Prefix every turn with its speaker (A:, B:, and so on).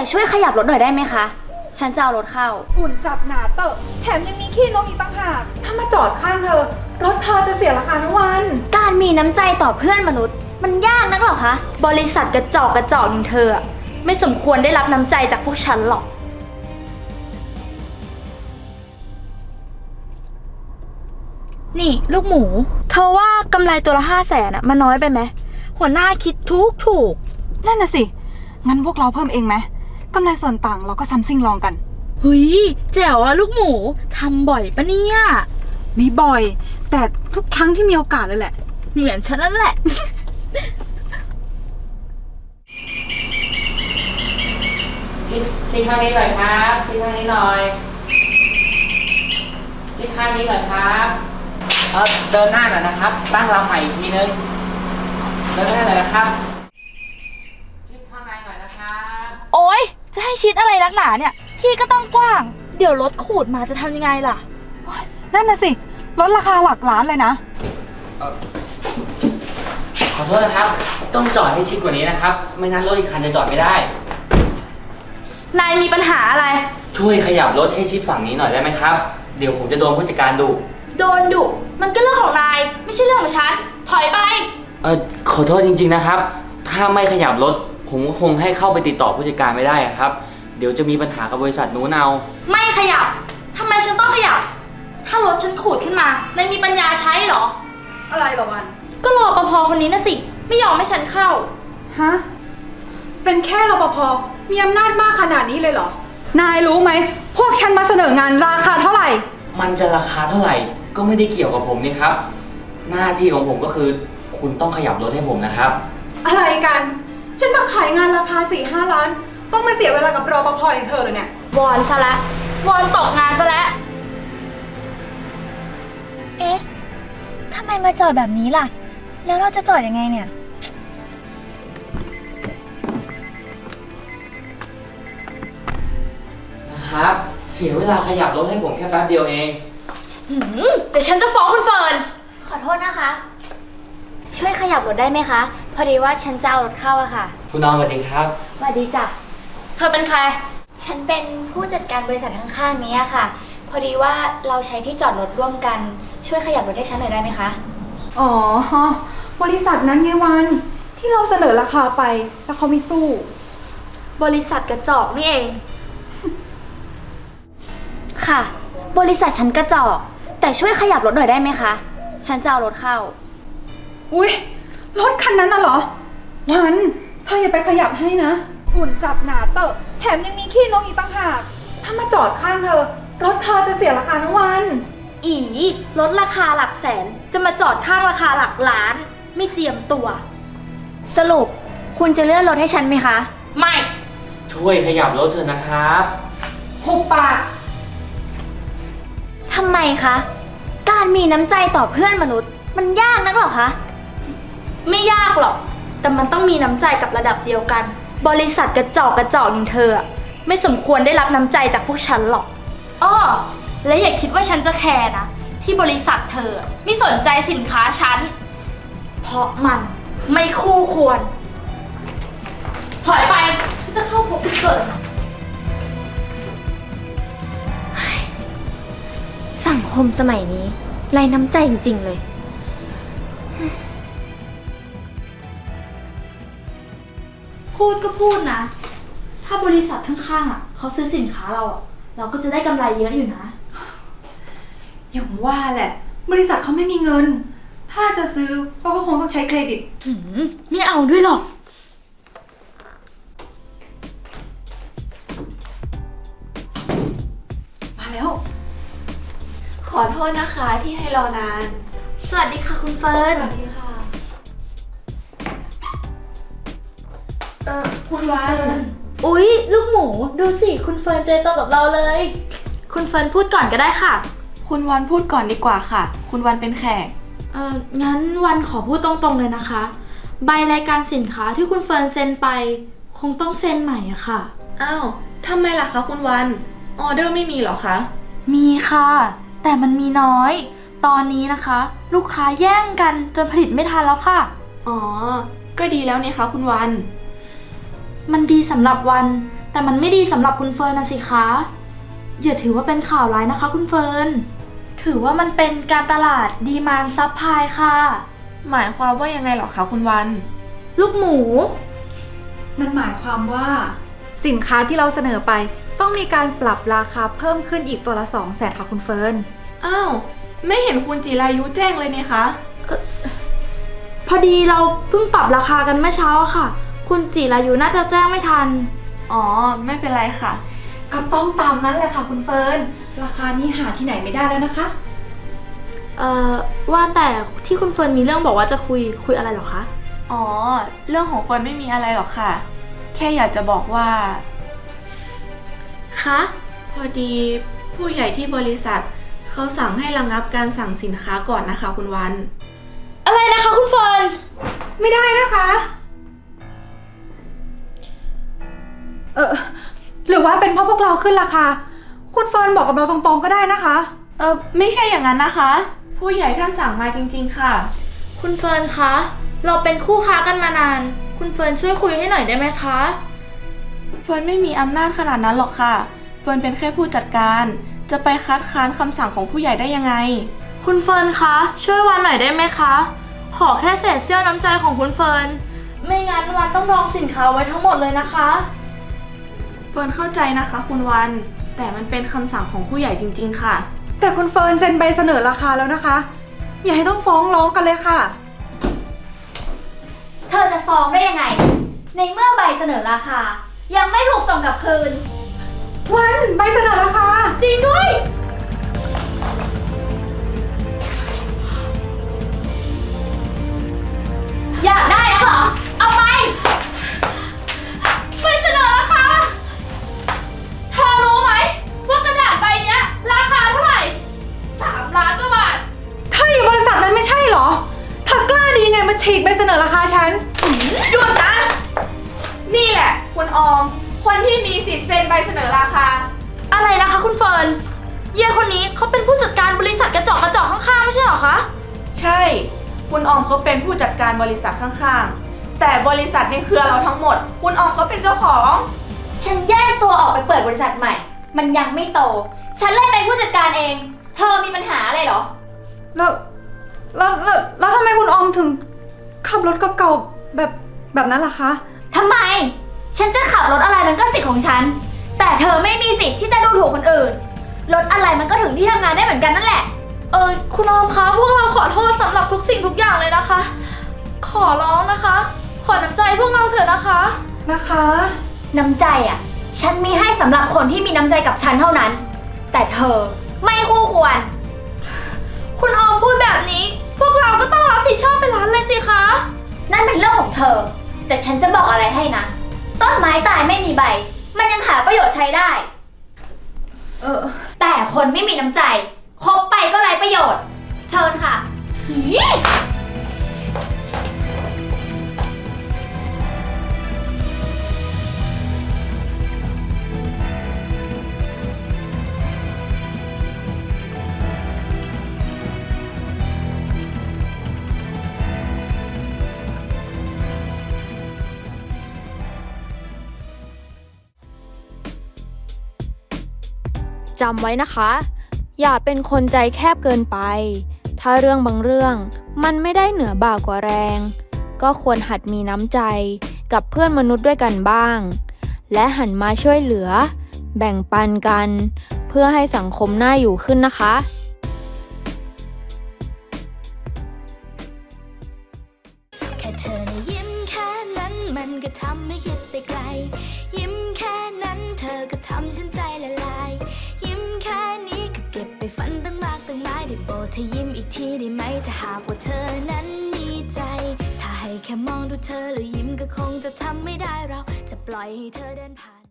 A: ช่วยขยับรถหน่อยได้ไหมคะฉันจะเอารถเข้า
B: ฝุ่นจับหนาเตอะแถมยังมีขี้นกอีกต่างหากถ้ามาจอดข้างเธอรถเธอจะเสียราคาทั้งวัน
A: การมีน้ำใจต่อเพื่อนมนุษย์มันยากนักหรอคะ
C: บริษัทกระจอกอย่างเธอไม่สมควรได้รับน้ำใจจากพวกฉันหรอกนี่ลูกหมูเธอว่ากำไรตัวละ500,000มันน้อยไปไหมหัวหน้าคิดถูก
B: นั่นน่ะสิงั้นพวกเราเพิ่มเองไหมกำไรส่วนต่างเราก็ซัมซิ่งลองกัน
C: เฮ้ยแจ๋วอะลูกหมูทำบ่อยปะเนี่ย
B: มีบ่อยแต่ทุกครั้งที่มีโอกาสเลยแหละ
C: เหมือนฉันนั่นแหละ
D: ชี้ข้างนี้หน่อยครับชี้ข้างนี้หน่อยชี้ข้างนี้หน่อยครับเดินหน้าหน่อยนะครับตั้งลำใหม่อีกทีนึงเดินหน้าเลยนะครับชี้ข้างในหน่อยนะครับ
C: โอ๊ยจะให้ชิดอะไรนักหนาเนี่ยที่ก็ต้องกว้างเดี๋ยวรถขูดมาจะทำยังไงล่ะ
B: นั่นน่ะสิรถราคาหลักล้านเลยนะ
D: ขอโทษนะครับต้องจอดให้ชิดกว่านี้นะครับไม่นั้นรถอีกคันจะจอดไม่ได้
C: นายมีปัญหาอะไร
D: ช่วยขยับรถให้ชิดฝั่งนี้หน่อยได้ไหมครับเดี๋ยวผมจะโดนผู้จัดการดุ
C: โดนดุมันก็เรื่องของนายไม่ใช่เรื่องของฉันถอยไป
D: ขอโทษจริงๆนะครับถ้าไม่ขยับรถผมก็คงให้เข้าไปติดต่อผู้จัดการไม่ได้ครับเดี๋ยวจะมีปัญหากับบริษัทนู้นเอา
C: ไม่ขยับทำไมฉันต้องขยับถ้ารถฉันขูดขึ้นมานายมีปัญญาใช้เหรอ
B: อะไรหรอวัน
C: ก็รปภคนนี้นะสิไม่ยอมให้ฉันเข้า
B: ฮะเป็นแค่รปภมีอำนาจมากขนาดนี้เลยเหรอนายรู้ไหมพวกฉันมาเสนองานราคาเท่าไหร่
D: มันจะราคาเท่าไหร่ก็ไม่ได้เกี่ยวกับผมนี่ครับหน้าที่ของผมก็คือคุณต้องขยับรถให้ผมนะครับ
B: อะไรกันฉันมาขายงานราคา 4-5 ล้านต้องมาเสียเวลากับรปภอย่างเธอเลยเนี่ยว
C: อนซะละวอนตกงานซะแล้ว
A: เอ๊ะทำไมมาจอดแบบนี้ล่ะแล้วเราจะจอดยังไงเนี่ย
D: นะครับเสียเวลาขยับรถให้ผมแค่แป๊บเดียวเอง
C: เดี๋ยวฉันจะฟ้องคุณเฟิร์น
A: ขอโทษนะคะช่วยขยับรถได้ไหมคะพอดีว่าฉันจะเอารถเข้าอะค่ะ
D: คุณน้องสวัสดีครับ
A: สวัสดีจ้ะ
C: เธอเป็นใคร
A: ฉันเป็นผู้จัดการบริษัทข้างๆนี้ค่ะพอดีว่าเราใช้ที่จอดรถร่วมกันช่วยขยับรถให้ฉันหน่อยได้ไหมคะ
B: อ๋อบริษัทนั้นไงวันที่เราเสนอราคาไปแล้วเขาไม่สู้
C: บริษัทกระจอกนี่เอง
A: ค่ะบริษัทฉันกระจอกแต่ช่วยขยับรถหน่อยได้ไหมคะฉันจะเอารถเข้า
B: อุ๊ยรถคันนั้นน่ะเหรอวันเธออย่าไปขยับให้นะฝุ่นจับหนาเตอะแถมยังมีขี้นกอีกต่างหากถ้ามาจอดข้างเธอรถเธอจะเสียราคาทั้งวัน
C: อีรถราคาหลักแสนจะมาจอดข้างราคาหลักล้านไม่เจียมตัว
A: สรุปคุณจะเลื่อนรถให้ฉันไหมคะ
C: ไม่
D: ช่วยขยับรถเถอะนะครับ
B: หุบปาก
A: ทำไมคะการมีน้ำใจต่อเพื่อนมนุษย์มันยากนักหรอคะ
C: ไม่ยากหรอกแต่มันต้องมีน้ำใจกับระดับเดียวกันบริษัทกระจอกอย่างเธอไม่สมควรได้รับน้ำใจจากพวกฉันหรอกอ้อและอย่าคิดว่าฉันจะแคร์นะที่บริษัทเธอไม่สนใจสินค้าฉันเพราะมันไม่คู่ควรถอยไปจะเข้าพบคุณเกิด
A: สังคมสมัยนี้ไร้น้ำใจจริงๆเลย
C: พูดก็พูดนะถ้าบริษัทข้างๆเขาซื้อสินค้าเราก็จะได้กำไรเยอะอยู่นะ
B: อย่างว่าแหละบริษัทเขาไม่มีเงินถ้าจะซื้อก็คงต้องใช้เครดิต
C: ไม่เอาด้วยหรอก
B: มาแล้ว
E: ขอโทษนะคะที่ให้รอนาน
C: สวัสดีค่ะคุณเฟิร์น
E: สวัสดีค่ะคุณวัน
C: อุ๊ยลูกหมูดูสิคุณเฟิร์นเจอตัวกับเราเลยคุณเฟิร์นพูดก่อนก็ได้ค่ะ
E: คุณวันพูดก่อนดีกว่าค่ะคุณวันเป็นแขก
C: งั้นวันขอพูดตรงๆเลยนะคะใบรายการสินค้าที่คุณเฟิร์นเซ็นไปคงต้องเซ็นใหม่อะค่ะ
E: อ้าวทำไมล่ะคะคุณวันออเดอร์ไม่มีเหรอคะ
C: มีค่ะแต่มันมีน้อยตอนนี้นะคะลูกค้าแย่งกันจนผลิตไม่ทันแล้วค่ะ
E: อ๋อก็ดีแล้วนี่คะคุณวัน
C: มันดีสำหรับวันแต่มันไม่ดีสำหรับคุณเฟิร์นนะสิคะอย่าถือว่าเป็นข่าวร้ายนะคะคุณเฟิร์นถือว่ามันเป็นการตลาดดีมานด์ซัพพลายค่ะ
E: หมายความว่ายังไงเหรอคะคุณวัน
C: ลูกหมู
B: มันหมายความว่าสินค้าที่เราเสนอไปต้องมีการปรับราคาเพิ่มขึ้นอีกตัวละ 200,000 ค่ะคุณเฟิร์น
E: อ้าว ไม่เห็นคุณจิรายุแจ้งเลยนี่คะ
C: พอดีเราเพิ่งปรับราคากันเมื่อเช้าอะค่ะ คุณจิรายุน่าจะแจ้งไม่ทัน
E: อ๋อ ไม่เป็นไรค่ะ
B: ก็ต้องตามนั้นแหละค่ะคุณเฟิร์น ราคานี้หาที่ไหนไม่ได้แล้วนะคะ
C: ว่าแต่ที่คุณเฟิร์นมีเรื่องบอกว่าจะคุยอะไรเหรอคะ
E: อ๋อ เรื่องของเฟิร์นไม่มีอะไรหรอกค่ะ แค่อยากจะบอกว่า
C: คะ
E: พอดีผู้ใหญ่ที่บริษัทเขาสั่งให้ระงับการสั่งสินค้าก่อนนะคะคุณวัน
C: อะไรนะคะคุณเฟิร์น
B: ไม่ได้นะคะ หรือว่าเป็นเพราะพวกเราขึ้นราคา คุณเฟิร์นบอกกับเราตรงๆก็ได้นะคะ
E: ไม่ใช่อย่างนั้นนะคะ ผู้ใหญ่ท่านสั่งมาจริงๆค่ะ
C: คุณเฟิร์นคะ เราเป็นคู่ค้ากันมานาน คุณเฟิร์นช่วยคุยให้หน่อยได้ไหมคะ
E: เฟิร์นไม่มีอำนาจขนาดนั้นหรอกค่ะ เฟิร์นเป็นแค่ผู้จัดการ จะไปคัดค้านคำสั่งของผู้ใหญ่ได้ยังไง
C: คุณเฟิร์นคะ ช่วยวันหน่อยได้ไหมคะ ขอแค่เศษเสี้ยวน้ำใจของคุณเฟิร์น ไม่งั้นวันต้องรองสินค้าไว้ทั้งหมดเลยนะคะ
E: เฟิร์นเข้าใจนะคะคุณวัน แต่มันเป็นคำสั่งของผู้ใหญ่จริงๆค่ะ
B: แต่คุณเฟิร์นเซ็นใบเสนอราคาแล้วนะคะ อย่าให้ต้องฟ้องร้องกันเลยค่ะ
A: เธอจะฟ้องได้ยังไง ในเมื่อใบเสนอราคา ยังไม่ถูกส่งกลับคืน
B: วันใบเสนอราคา
C: จริงด้วย
A: อยากได้นะเหรอ เอาไป
C: ใบเสนอราคา เธอรู้ไหมว่ากระดาษใบเนี้ยราคาเท่าไหร่ 3 ล้านกว่าบาท
B: ถ้าอยู่บริษัทนั้นไม่ใช่เหรอเธอกล้าดียังไงมาฉีกใบเสนอราคาฉัน
E: หยุดนะ นี่แหละ คุณออม คนที่มีสิทธิ์เซ็นใบเสนอราคา
C: อะไรนะคะคุณเฟิร์น เย่คนนี้เขาเป็นผู้จัดการบริษัทกระจอกข้างๆไม่ใช่เหรอคะ
E: ใช่ คุณออมเขาเป็นผู้จัดการบริษัทข้างๆ แต่บริษัทในเครือเราทั้งหมด คุณออมเขาเป็นเจ้าของ
A: ฉันแยกตัวออกไปเปิดบริษัทใหม่ มันยังไม่โต ฉันเลยเป็นผู้จัดการเอง เธอมีปัญหาอะไรเหรอ
B: แล้วทำไมคุณออมถึงขับรถเก่าๆแบบนั้นล่ะคะ
A: ทำไม ฉันจะขับรถอะไรมันก็สิทธิ์ของฉัน แต่เธอไม่มีสิทธิ์ที่จะดูถูกคนอื่น รถอะไรมันก็ถึงที่ทำงานได้เหมือนกันนั่นแหละ
C: คุณออมคะ พวกเราขอโทษสำหรับทุกสิ่งทุกอย่างเลยนะคะ ขอร้องนะคะ ขอน้ำใจพวกเราเถอะนะคะ
B: นะคะ
A: น้ำใจอ่ะ ฉันมีให้สำหรับคนที่มีน้ำใจกับฉันเท่านั้น แต่เธอไม่คู่ควร
C: คุณออมพูดแบบนี้ พวกเราก็ต้องรับผิดชอบไปร้านเลยสิคะ
A: นั่นเป็นเรื่องของเธอ แต่ฉันจะบอกอะไรให้นะ ต้นไม้ตายไม่มีใบ มันยังหาประโยชน์ใช้ได้ แต่คนไม่มีน้ำใจคบไปก็ไร้ประโยชน์ เชิญค่ะ
F: จำไว้นะคะ อย่าเป็นคนใจแคบเกินไป ถ้าเรื่องบางเรื่องมันไม่ได้เหนือบ่ากว่าแรง ก็ควรหัดมีน้ำใจกับเพื่อนมนุษย์ด้วยกันบ้าง และหันมาช่วยเหลือ แบ่งปันกัน เพื่อให้สังคมน่าอยู่ขึ้นนะคะ
G: แค่เธอนะยิ้มแค่นั้นมันก็ทำให้คิดไปไกล ยิ้มแค่นั้นเธอก็ทำฉันใจละลาย ยิ้มแค่นี้ก็เก็บไปฝันตั้งมากตั้งหลายได้โปรดเธอยิ้มอีกทีได้ไหมถ้าหากว่าเธอนั้นมีใจ ถ้าให้แค่มองดูเธอแล้วยิ้มก็คงจะทำไม่ได้เราจะปล่อยให้เธอเดินผ่าน